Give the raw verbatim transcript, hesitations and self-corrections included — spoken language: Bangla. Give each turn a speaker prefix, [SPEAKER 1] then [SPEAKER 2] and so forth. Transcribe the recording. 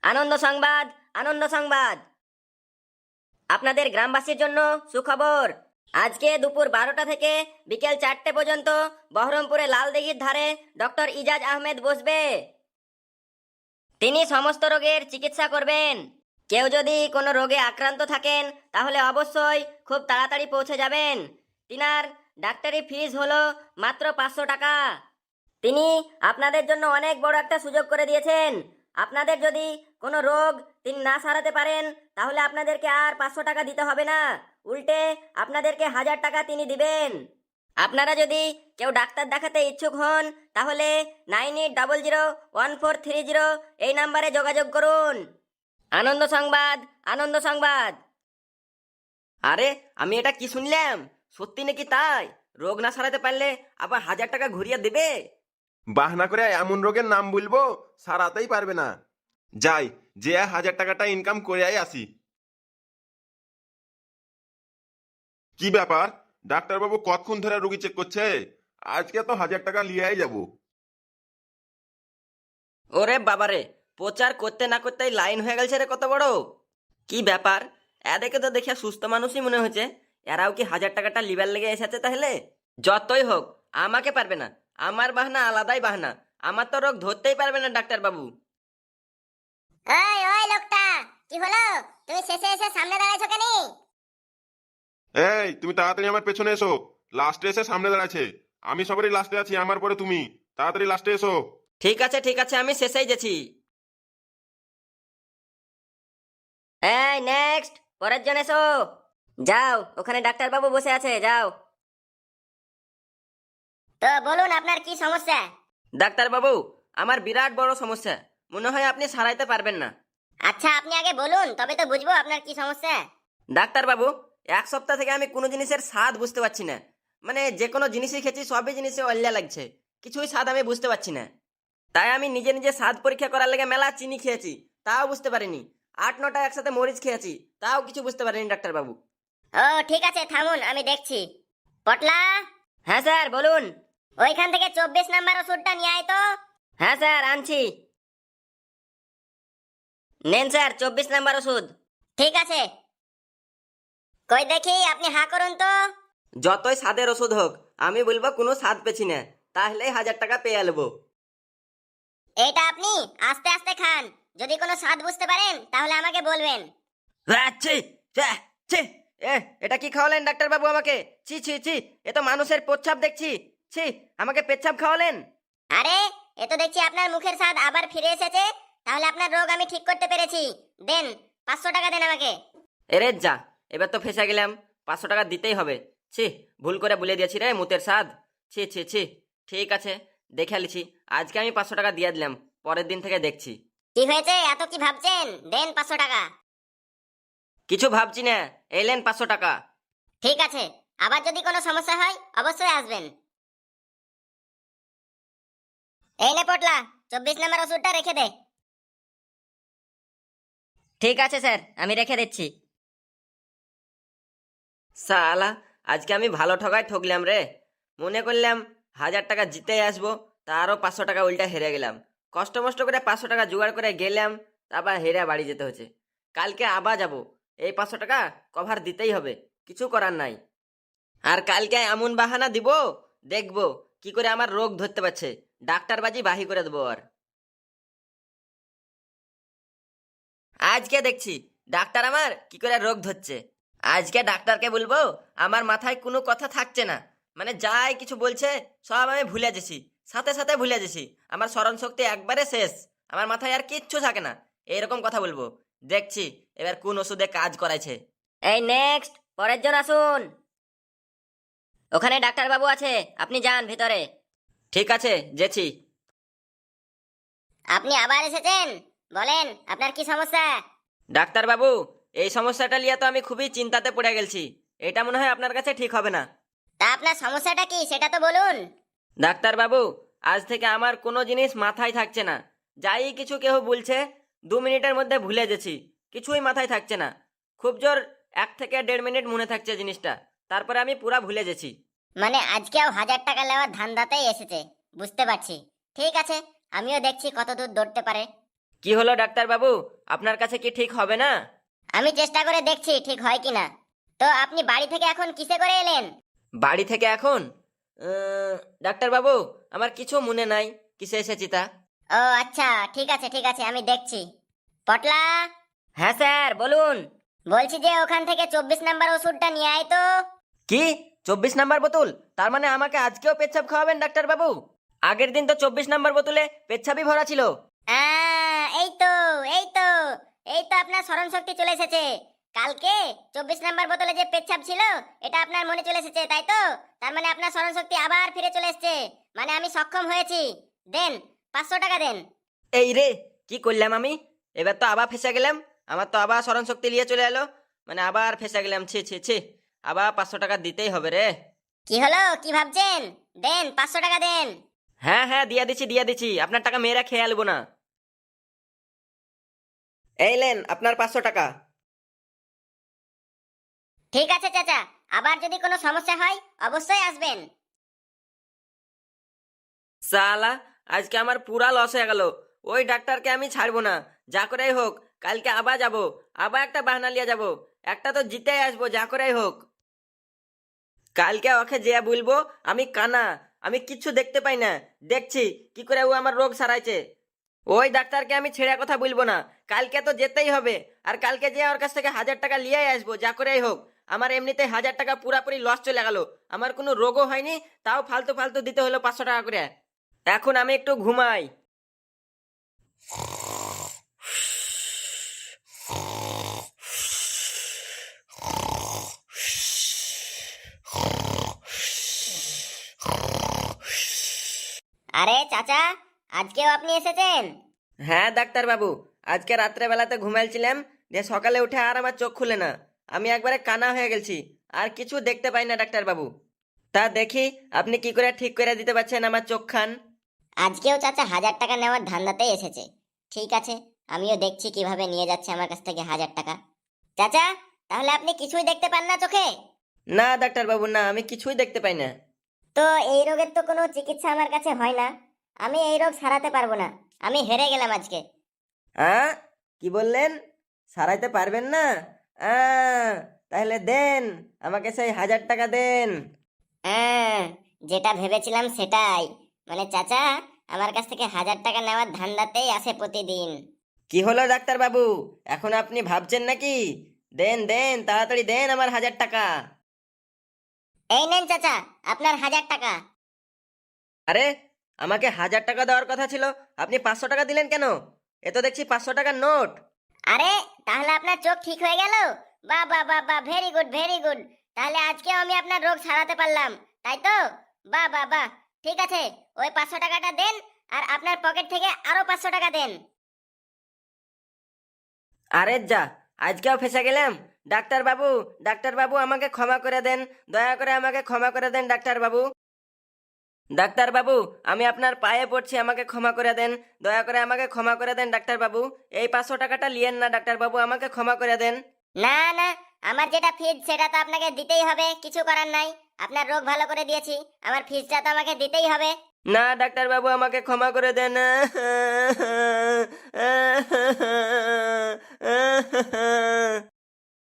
[SPEAKER 1] আনন্দ সংবাদ, আনন্দ সংবাদ। আপনাদের গ্রামবাসীর জন্য সুখবর। আজকে দুপুর বারোটা থেকে বিকেল চারটে পর্যন্ত বহরমপুরে লালদিঘির ধারে ডক্টর ইজাজ আহমেদ বসবে। তিনি সমস্ত রোগের চিকিৎসা করবেন। কেউ যদি কোনো রোগে আক্রান্ত থাকেন তাহলে অবশ্যই খুব তাড়াতাড়ি পৌঁছে যাবেন। তিনার ডাক্তারি ফিস হলো মাত্র পাঁচশো টাকা। তিনি আপনাদের জন্য অনেক বড় একটা সুযোগ করে দিয়েছেন। আপনাদের যদি কোনো রোগ তিনি না সারাতে পারেন তাহলে আপনাদেরকে আর পাঁচশো টাকা দিতে হবে না, উল্টে আপনাদেরকে হাজার টাকা তিনি দিবেন। আপনারা যদি কেউ ডাক্তার দেখাতে ইচ্ছুক হন তাহলে nine eight double zero one four three zero এই নাম্বারে যোগাযোগ করুন। আনন্দ সংবাদ, আনন্দ সংবাদ।
[SPEAKER 2] আরে আমি এটা কি শুনলাম, সত্যি নাকি তাই? রোগ না সারাতে পারলে আবার হাজার টাকা ঘুরিয়ে দেবে?
[SPEAKER 3] বাহানা করে এমন রোগের নাম বলবো সারাতেই পারবে না। যাই, যে হাজার টাকাটা ইনকাম করে আই আসি। কি ব্যাপার, ডাক্তারবাবু কতক্ষণ ধরে রোগী চেক করছে? আজকে তো হাজার টাকা লিয়াই যাব।
[SPEAKER 2] ওরে বাবারে, প্রচার করতে না করতেই লাইন হয়ে গেছে রে কত বড়। কি ব্যাপার, এদেরকে তো দেখে সুস্থ মানুষই মনে হচ্ছে। এরাও কি হাজার টাকাটা লিবার লেগে এসেছে তাহলে? যতই হোক আমাকে পারবে না, আমার বাহানা আলাদাই বাহানা। আমার তো রোগ ধরতেই পারবে না ডাক্তার বাবু।
[SPEAKER 4] ওই ওই লোকটা, কি হলো? তুমি শেষে এসে সামনে দাঁড়াইছো কেন?
[SPEAKER 3] এই তুমি তাড়াতাড়ি আমার পেছনে এসো। লাস্টে এসে সামনে দাঁড়াচ্ছে, আমি সবারই লাস্টে আছি, আমার পরে তুমি। তাড়াতাড়ি লাস্টে এসো।
[SPEAKER 2] ঠিক আছে ঠিক আছে, আমি শেষেই গেছি।
[SPEAKER 1] এই নেক্সট, পরের জন এসো। যাও, ওখানে ডাক্তারবাবু বসে আছে, যাও।
[SPEAKER 4] তো বলুন আপনার কি সমস্যা?
[SPEAKER 2] ডাক্তার বাবু, আমার বিরাট বড় সমস্যা, মনে হয় আপনি সারাইতে পারবেন না।
[SPEAKER 4] আচ্ছা আপনি আগে বলুন, তবে তো বুঝবো আপনার কি সমস্যা।
[SPEAKER 2] ডাক্তার বাবু, এক সপ্তাহ থেকে আমি কোনো জিনিসের স্বাদ বুঝতে পারছি না। মানে যে কোনো জিনিসই খেয়েছি সবই জিনিসে অল্যা লাগছে, কিছুই স্বাদ আমি বুঝতে পারছি না। তাই আমি নিজে নিজে স্বাদ পরীক্ষা করার লেগে মেলা চিনি খেয়েছি, তাও বুঝতে পারিনি। আট নটা একসাথে মরিচ খেয়েছি, তাও কিছু বুঝতে পারিনি ডাক্তার বাবু।
[SPEAKER 4] ও ঠিক আছে, থামুন আমি দেখছি। পটলা,
[SPEAKER 1] হ্যাঁ স্যার বলুন।
[SPEAKER 4] ওইখান থেকে চব্বিশ নাম্বার ওষুধটা নিয়ে আয় তো।
[SPEAKER 1] হ্যাঁ স্যার আনছি। নেন স্যার চব্বিশ নাম্বার ওষুধ।
[SPEAKER 4] ঠিক আছে, কই দেখি আপনি হা করুন তো।
[SPEAKER 2] যতই স্বাদের ওষুধ হোক, আমি বলবো কোনো স্বাদ পেছি না, তাহলেই হাজার টাকা পেয়ে নেবো।
[SPEAKER 4] এইটা আপনি আস্তে আস্তে খান, যদি কোনো স্বাদ বুঝতে পারেন তাহলে আমাকে বলবেন।
[SPEAKER 2] ছি, ছি, ছি, এ, এটা কি খাওয়ালেন ডাক্তার বাবু আমাকে? ছি ছি ছি, এ তো মানুষের পেচ্ছাপ দেখছি। ছি, আমাকে পেচ্ছাপ খাওয়ালেন?
[SPEAKER 4] আরে এ তো দেখছি আপনার মুখের স্বাদ আবার ফিরে এসেছে। তাহলে আপনার রোগ আমি ঠিক করতে পেরেছি। দেন, পাঁচশো টাকা দেন আমাকে।
[SPEAKER 2] এরে যা, এবার তো ফেসে গেলাম, পাঁচশো টাকা দিতেই হবে। ছি, ভুল করে বলে দিয়েছি রে মুতের স্বাদ। ছি ছি ছি, ঠিক আছে, দেখে লিছি। আজকে আমি পাঁচশো টাকা দিয়ে দিলাম, পরের দিন থেকে দেখছি।
[SPEAKER 4] কি হয়েছে, এত কি ভাবছেন? দেন পাঁচশো টাকা।
[SPEAKER 2] কিছু ভাবছি না, এলেন পাঁচশো টাকা।
[SPEAKER 4] ঠিক আছে, আবার যদি কোনো সমস্যা হয় অবশ্যই আসবেন। এই নে পটলা, চব্বিশ নাম্বার ওষুধটা রেখে দে।
[SPEAKER 1] ঠিক আছে স্যার, আমি রেখে দিচ্ছি।
[SPEAKER 2] সালা, আজকে আমি ভালো ঠকায় ঠকলাম রে। মনে করলাম হাজার টাকা জিতে আসবো, তারও পাঁচশো টাকা উল্টা হেরে গেলাম। কষ্ট মষ্ট করে পাঁচশো টাকা জোগাড় করে গেলাম, তারপর হেরে বাড়ি যেতে হচ্ছে। কালকে আবার যাব, এই পাঁচশো টাকা কভার দিতেই হবে, কিছু করার নাই। আর কালকে এমন বাহানা দিব, দেখবো কি করে আমার রোগ ধরতে পারছে। ডাক্তারবাজি বাহি করে দেবো। আর আজকে দেখছি ডাক্তার আমার কি করে রোগ ধরছে। আজকে ডাক্তারকে বলবো আমার মাথায় কোনো কথা থাকছে না, মানে যাই কিছু বলছে সব আমি ভুলে গেছি, সাথে সাথে ভুলে গেছি। আমার স্মরণ শক্তি একবারে শেষ, আমার মাথায় আর কিচ্ছু থাকে না। এইরকম কথা বলবো, দেখছি এবার কোন ওষুধে কাজ করাইছে।
[SPEAKER 1] এই নেক্সট, পরের জন আসুন। ওখানে ডাক্তারবাবু আছে, আপনি যান ভিতরে।
[SPEAKER 2] ঠিক আছে, যেছি।
[SPEAKER 4] আপনি আবার এসেছেন, বলেন আপনার কি সমস্যা?
[SPEAKER 2] ডাক্তার বাবু, এই সমস্যাটা নিয়ে তো আমি খুবই চিন্তাতে পড়ে গেছি। এটা মনে হয় আপনার কাছে ঠিক হবে না।
[SPEAKER 4] তা আপনার সমস্যাটা কি সেটা তো বলুন।
[SPEAKER 2] ডাক্তার বাবু, আজ থেকে আমার কোনো জিনিস মাথায় থাকছে না। যাই কিছু কেউ বলছে দু মিনিটের মধ্যে ভুলে গেছি, কিছুই মাথায় থাকছে না। খুব জোর এক থেকে দেড় মিনিট মনে থাকছে জিনিসটা, তারপরে আমি পুরা ভুলে গেছি।
[SPEAKER 4] মানে আজকেও হাজার টাকা নেওয়ার ধান্দাতেই এসেছে, বুঝতে পারছি। ঠিক আছে, আমিও দেখছি কত দূর দৌড়তে পারে।
[SPEAKER 2] কি হলো ডাক্তার বাবু, আপনার কাছে কি ঠিক হবে না?
[SPEAKER 4] আমি চেষ্টা করে দেখছি ঠিক হয় কিনা। তো আপনি বাড়ি থেকে এখন কিসে করে এলেন?
[SPEAKER 2] বাড়ি থেকে এখন আহ, ডাক্তার বাবু, আমার কিছু মনে নাই কিসে এসেছি তা।
[SPEAKER 4] ও আচ্ছা, ঠিক আছে ঠিক আছে, আমি দেখছি। পটলা,
[SPEAKER 1] হ্যাঁ স্যার বলুন।
[SPEAKER 4] বলছি যে ওখান থেকে চব্বিশ নাম্বার ওষুধটা নিয়ে আয় তো।
[SPEAKER 2] কি চব্বিশ নাম্বার বোতল? তার মানে আমাকে আজকেও পেচ্ছাপ খাওয়াবেন ডাক্তার বাবু? আগের দিন তো চব্বিশ নাম্বার বোতলে পেচ্ছাপই ভরা ছিল।
[SPEAKER 4] আহ, এই তো এই তো এই তো আপনার স্মরণ শক্তি চলে এসেছে। কালকে চব্বিশ নাম্বার বোতলে যে পেচ্ছাপ ছিল এটা আপনার মনে চলে এসেছে, তাই তো? তার মানে আপনার স্মরণ শক্তি আবার ফিরে চলে এসেছে, মানে আমি সক্ষম হয়েছি। দেন, পাঁচশো টাকা দেন।
[SPEAKER 2] এই রে, কি করলাম আমি? এবার তো আবার ফেসে গেলাম। আমার তো আবার স্মরণ শক্তি নিয়ে চলে এলো, মানে আবার ফেসে গেলাম। ছি ছি ছি, আবার পাঁচশো টাকা দিতেই হবে রে।
[SPEAKER 4] কি হলো, কি ভাবছেন? দেন, পাঁচশো টাকা দেন।
[SPEAKER 2] হ্যাঁ হ্যাঁ, দিয়া দিচ্ছি দিয়া দিচ্ছি, আপনার টাকা মেয়েরা খেয়ে আলবো না। এই লেন আপনার পাঁচশো টাকা।
[SPEAKER 4] ঠিক আছে চাচা, আবার যদি কোনো সমস্যা হয় অবশ্যই আসবেন।
[SPEAKER 2] সালা, আজকে আমার পুরা লস হয়ে গেল। ওই ডাক্তারকে আমি ছাড়বো না, যা করেই হোক। কালকে আবার যাব, আবার একটা বাহানা লিয়ে যাব। একটা তো জিতেই আসবো যা করেই হোক। কালকে ওকে যে বলবো আমি কানা, আমি কিচ্ছু দেখতে পাই না, দেখছি কি করে ও আমার রোগ সারাইছে। ওই ডাক্তারকে আমি ছেড়ে কথা বলবো না, কালকে তো যেতেই হবে। আর কালকে যে ওর কাছ থেকে হাজার টাকা লিয়ে আসবো যা করেই হোক। আমার এমনিতে হাজার টাকা পুরাপুরি লস চলে গেল, আমার কোনো রোগও হয়নি, তাও ফালতু ফালতু দিতে হলো পাঁচশো টাকা করে। এখন আমি একটু ঘুমাই।
[SPEAKER 4] আরে চাচা, আজকেও আপনি এসেছেন?
[SPEAKER 2] হ্যাঁ ডাক্তার বাবু, আজকে রাত্রে বেলাতে ঘুমাইছিলাম, দিয়ে সকালে উঠে আর আমার চোখ খুলে না। আমি একবারে কানা হয়ে গেছি, আর কিছু দেখতে পাই না ডাক্তার বাবু। তা দেখি আপনি কি করে ঠিক করে দিতে পারছেন আমার চোখ খান।
[SPEAKER 4] আজকেও চাচা হাজার টাকা নেওয়ার ধান্দাতেই এসেছে। ঠিক আছে, আমিও দেখছি কিভাবে নিয়ে যাচ্ছে আমার কাছ থেকে হাজার টাকা। চাচা, তাহলে আপনি কিছুই দেখতে পান না চোখে?
[SPEAKER 2] না ডাক্তার বাবু, না, আমি কিছুই দেখতে পাই না।
[SPEAKER 4] তো এই রোগের তো কোনো চিকিৎসা আমার কাছে হয় না, আমি এই রোগ সারাতে পারবো না। আমি হেরে গেলাম আজকে।
[SPEAKER 2] হ্যাঁ, কি বললেন? সারাইতে পারবেন না? আহ, তাহলে দেন, আমাকে সেই হাজার টাকা দেন।
[SPEAKER 4] হ্যাঁ, যেটা ভেবেছিলাম সেটাই। মানে চাচা আমার কাছ থেকে হাজার টাকা নেওয়ার ধান্দাতেই আসে প্রতিদিন।
[SPEAKER 2] কি হলো ডাক্তার বাবু, এখন আপনি ভাবছেন নাকি? দেন দেন, তাড়াতাড়ি দেন আমার হাজার টাকা।
[SPEAKER 4] এই নেন চাচা, আপনার হাজার টাকা।
[SPEAKER 2] আরে, আমাকে হাজার টাকা দেওয়ার কথা ছিল, আপনি পাঁচশো টাকা দিলেন কেন? এ তো দেখছি পাঁচশো টাকার নোট।
[SPEAKER 4] আরে, তাহলে আপনার চোখ ঠিক হয়ে গেল? বাহ বাহ বাহ বাহ, ভেরি গুড ভেরি গুড। তাহলে আজকেও আমি আপনার রোগ সারাতে পারলাম, তাই তো? বাহ বাহ বাহ, ঠিক আছে, ওই পাঁচশো টাকাটা দেন, আর আপনার পকেট থেকে আরো পাঁচশো টাকা দেন।
[SPEAKER 2] আরে যা, আজকেও ফেসে গেলাম। ডাক্তার বাবু, ডাক্তার বাবু, আমাকে ক্ষমা করে দেন, দয়া করে আমাকে ক্ষমা করে দেন ডাক্তার বাবু। ডাক্তার বাবু, আমি আপনার পায়ে পড়ছি, আমাকে ক্ষমা করে দেন, দয়া করে আমাকে ক্ষমা করে দেন ডাক্তার বাবু। এই পাঁচশো টাকাটা লিয়েন না ডাক্তার বাবু, আমাকে ক্ষমা করে দেন।
[SPEAKER 4] না না, আমার যেটা ফিজ সেটা তো আপনাকে দিতেই হবে, কিছু করার নাই। আপনার রোগ ভালো করে দিয়েছি, আমার ফিজটা তো আমাকে দিতেই হবে।
[SPEAKER 2] না ডাক্তার বাবু, আমাকে ক্ষমা করে দেন।